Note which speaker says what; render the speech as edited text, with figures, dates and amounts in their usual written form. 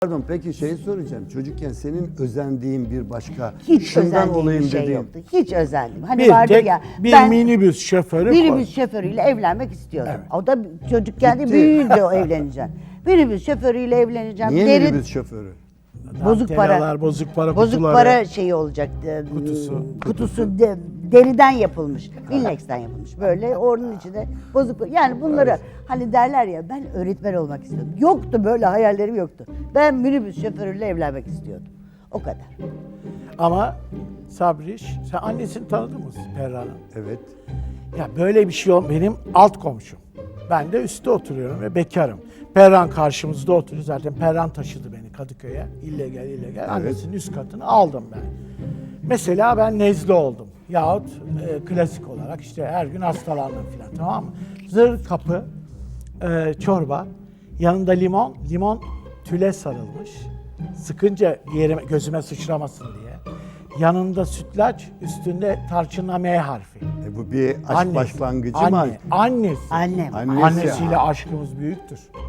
Speaker 1: Pardon, peki şey soracağım. Çocukken senin özendiğin bir başka,
Speaker 2: Hiç
Speaker 1: şundan
Speaker 2: özendiğim bir
Speaker 1: olayım
Speaker 2: şey
Speaker 1: dediğin.
Speaker 2: yoktu. Hiç özendim. Hani
Speaker 3: Bir
Speaker 2: vardır
Speaker 3: tek
Speaker 2: ya.
Speaker 3: bir
Speaker 2: ben
Speaker 3: minibüs şoförü
Speaker 2: minibüs şoförüyle evlenmek istiyordum.
Speaker 3: Evet.
Speaker 2: O da çocukken de
Speaker 1: Gitti.
Speaker 2: büyüyünce o evleneceğim. Minibüs şoförüyle evleneceğim.
Speaker 1: Niye
Speaker 2: Derin-
Speaker 1: minibüs şoförü?
Speaker 2: Bozuk para.
Speaker 3: Bozuk para
Speaker 2: Bozuk
Speaker 3: kutuları.
Speaker 2: para şeyi olacak. Kutusu deriden yapılmış. Millex'ten yapılmış. Böyle onun içinde bozuk. Yani bunları hani derler ya, ben öğretmen olmak istiyordum. Yoktu, böyle hayallerim yoktu. Ben minibüs şoförüyle evlenmek istiyordum. O kadar.
Speaker 3: Ama Sabriş, sen annesini tanıdın mı Perra'nın?
Speaker 1: Evet.
Speaker 3: Ya böyle bir şey benim alt komşum. Ben de üstte oturuyorum ve bekarım. Perran karşımızda oturuyor. Zaten Perran taşıdı beni Kadıköy'e. İlle gel. Annesinin üst katını aldım ben. Mesela ben nezle oldum. Yahut klasik olarak işte her gün hastalandım falan, tamam mı? Zır kapı, çorba, yanında limon tüle sarılmış. Sıkınca yerime, gözüme sıçramasın diye. Yanında sütlaç, üstünde tarçınla M harfi.
Speaker 1: Bu bir aşk başlangıcı mı?
Speaker 3: Annesi.
Speaker 2: Annem.
Speaker 1: Annesi.
Speaker 3: Annesiyle aşkımız büyüktür.